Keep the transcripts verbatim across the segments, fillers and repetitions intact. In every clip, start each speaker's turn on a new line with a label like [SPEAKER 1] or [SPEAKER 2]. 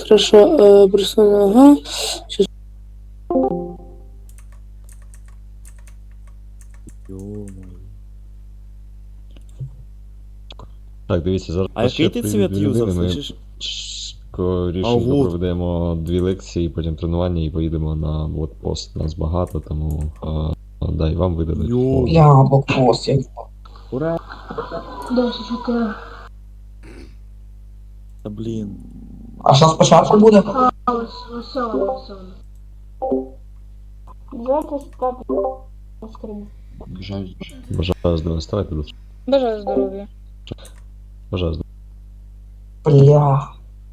[SPEAKER 1] хорошо, э, просто, ага. Сейчас.
[SPEAKER 2] Йо-моє.
[SPEAKER 3] Так, дивіться, зараз
[SPEAKER 2] А
[SPEAKER 3] ще
[SPEAKER 2] який ти цвет
[SPEAKER 3] дві
[SPEAKER 2] юзав,
[SPEAKER 3] людини, ми
[SPEAKER 2] слышиш?
[SPEAKER 3] скорішенько
[SPEAKER 2] А, вот.
[SPEAKER 3] проведемо дві лекції, потім тренування і поїдемо на блокпост. Нас багато, тому а, дай вам видадуть.
[SPEAKER 2] Йо.
[SPEAKER 3] форму.
[SPEAKER 4] Бля, блокпост, я...
[SPEAKER 2] Ура!
[SPEAKER 1] Да, сейчас я...
[SPEAKER 2] Та блін.
[SPEAKER 4] А що спочатку буде?
[SPEAKER 1] Весело, весело. Давайте стати на скрині.
[SPEAKER 3] Бажаю здоров'я, ставайте до.
[SPEAKER 1] Бажаю здоров'я.
[SPEAKER 3] Бажаю здоров'я.
[SPEAKER 4] Бля.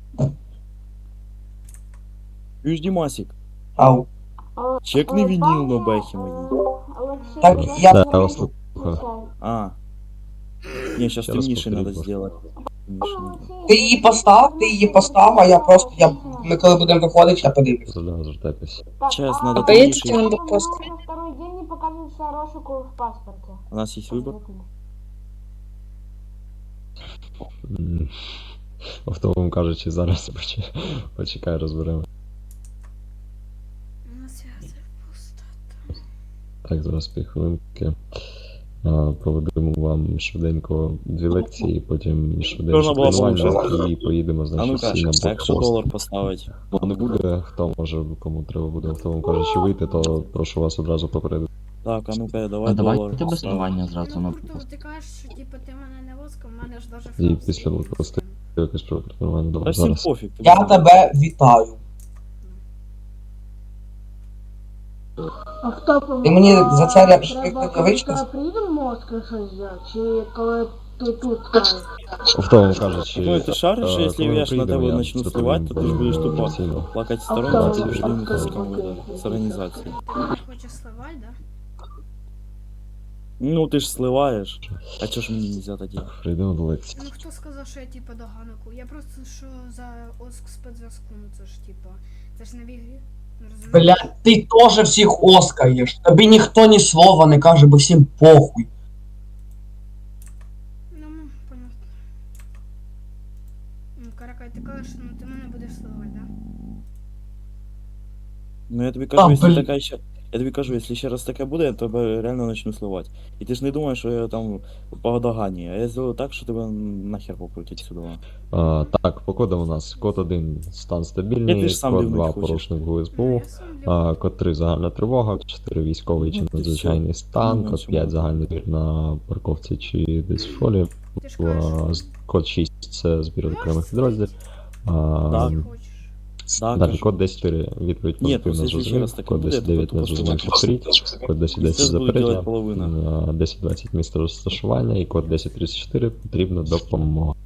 [SPEAKER 2] Чуєш, Дімасік?
[SPEAKER 4] Ау.
[SPEAKER 2] Чекни вініл на бехі моїй.
[SPEAKER 4] Так, я...
[SPEAKER 3] Да, я вас слухаю.
[SPEAKER 2] А. Не, сейчас
[SPEAKER 3] Ще раз
[SPEAKER 2] темніше надо
[SPEAKER 3] повторіть,
[SPEAKER 2] сделать. Темніше надо.
[SPEAKER 4] Ти її постав, ти її постав, а я просто, я... ми коли будемо виходити, я подивлюсь.
[SPEAKER 3] Заждемо, звертайтесь.
[SPEAKER 2] Сейчас надо
[SPEAKER 1] Поедете
[SPEAKER 2] темніше.
[SPEAKER 1] на блокпост?
[SPEAKER 5] Второй день не показывается розшуку в паспорте.
[SPEAKER 2] У нас есть выбор.
[SPEAKER 3] М, Автовом кажучи, зараз поч- почекай, розберемо.
[SPEAKER 5] На связи пустота.
[SPEAKER 3] Так, зараз півхвилинки. А, Проведемо вам швиденько дві лекції, потім швиденько
[SPEAKER 2] Можна було
[SPEAKER 3] тренування
[SPEAKER 2] слухати.
[SPEAKER 3] і поїдемо,
[SPEAKER 2] А
[SPEAKER 3] значить,
[SPEAKER 2] ну-ка,
[SPEAKER 3] всі на
[SPEAKER 2] а якщо
[SPEAKER 3] блокпост.
[SPEAKER 2] долар поставить?
[SPEAKER 3] Бо не буде, хто може, кому треба буде автовом кажучи вийти, то прошу вас одразу попередити.
[SPEAKER 2] Так, а ну-ка, давай
[SPEAKER 6] А
[SPEAKER 2] долар
[SPEAKER 6] давайте без
[SPEAKER 2] поставим.
[SPEAKER 6] тренування зразу на
[SPEAKER 5] Ну, круто, ти кажеш, що типу ти мене не воскав, в мене ж даже
[SPEAKER 3] І
[SPEAKER 5] фраз
[SPEAKER 3] після
[SPEAKER 5] є.
[SPEAKER 3] блокпосту якось про тренування
[SPEAKER 2] Та
[SPEAKER 3] добре
[SPEAKER 2] всім
[SPEAKER 3] зараз.
[SPEAKER 2] пофіг. ти
[SPEAKER 4] Я
[SPEAKER 2] знаєш.
[SPEAKER 4] тебе вітаю.
[SPEAKER 1] Автопом.
[SPEAKER 4] Ти мені за це ряд
[SPEAKER 1] Треба,
[SPEAKER 4] рукавички?
[SPEAKER 1] коли приїдемо в Москву щось зробити, чи коли ти тут кажеш?
[SPEAKER 3] Автовом кажучи,
[SPEAKER 2] Ну, ти шариш, що
[SPEAKER 3] е,
[SPEAKER 2] якщо
[SPEAKER 3] коли ми
[SPEAKER 2] я ж на
[SPEAKER 3] приїдемо,
[SPEAKER 2] тебе
[SPEAKER 3] я
[SPEAKER 2] начну
[SPEAKER 3] доповім
[SPEAKER 2] сливати, то ти ж будеш тупо
[SPEAKER 3] офіційно.
[SPEAKER 2] плакать в
[SPEAKER 1] Автомат.
[SPEAKER 2] сторонку, а ти будеш
[SPEAKER 1] Автомат.
[SPEAKER 2] думати з кому з організації.
[SPEAKER 5] Ти мене хочеш сливати, да?
[SPEAKER 2] Ну, ти ж сливаєш. А чого ж мені нельзя тоді?
[SPEAKER 3] Прийдемо до лекції.
[SPEAKER 5] Ну хто сказав, що я типу до ганаку? Я просто що за оск спецзв'язку, ну це ж типу, це ж не в ігрі. Ну, розумієш?
[SPEAKER 4] Бля, ти теж всіх оскаєш. Тобі ніхто ні слова не каже, бо всім похуй.
[SPEAKER 5] Ну, ну, понятно. Ну, Каракай, ти кажеш, ну ти мене будеш сливати, да?
[SPEAKER 2] Ну я тобі кажу,
[SPEAKER 4] А,
[SPEAKER 2] якщо
[SPEAKER 4] блін.
[SPEAKER 2] така ще. Я тобі кажу, якщо ще раз таке буде, я тебе реально почну сливати. І ти ж не думаєш, що я там по догані, а я зроблю так, що тебе нахер покрутять сюди.
[SPEAKER 3] А, так, по кодам у нас код один стан
[SPEAKER 2] Я
[SPEAKER 3] стабільний,
[SPEAKER 2] теж сам
[SPEAKER 3] код
[SPEAKER 2] дивнуть
[SPEAKER 3] два
[SPEAKER 2] хочеш.
[SPEAKER 3] порушник в
[SPEAKER 5] Ну,
[SPEAKER 3] ГУСБУ,
[SPEAKER 5] я сам люблю.
[SPEAKER 3] а, код три загальна тривога, чотири військовий чи
[SPEAKER 2] Ну, ти
[SPEAKER 3] надзвичайний
[SPEAKER 2] все.
[SPEAKER 3] стан,
[SPEAKER 2] Ну,
[SPEAKER 3] код
[SPEAKER 2] чому?
[SPEAKER 3] п'ять загальний збір на парковці чи десь в фолі,
[SPEAKER 5] Ти ж
[SPEAKER 3] а,
[SPEAKER 5] кажеш,
[SPEAKER 3] з- код шість це збір окремих підрозділів. А,
[SPEAKER 2] Так.
[SPEAKER 5] ти хочеш.
[SPEAKER 2] Да,
[SPEAKER 3] Далі
[SPEAKER 2] кажу.
[SPEAKER 3] код десять чотири відповідь
[SPEAKER 2] Ні,
[SPEAKER 3] позитивно
[SPEAKER 2] просто якщо ще
[SPEAKER 3] зрозумів,
[SPEAKER 2] раз таке
[SPEAKER 3] код
[SPEAKER 2] буде,
[SPEAKER 3] десять
[SPEAKER 2] то
[SPEAKER 3] дев'ять
[SPEAKER 2] тупо
[SPEAKER 3] не зрозумів
[SPEAKER 2] що
[SPEAKER 3] повторіть, код десять
[SPEAKER 2] І
[SPEAKER 3] десять
[SPEAKER 2] це буде
[SPEAKER 3] заперечення,
[SPEAKER 2] делать половина.
[SPEAKER 3] десять двадцять місце розташування і код десять тридцять чотири потрібна допомога.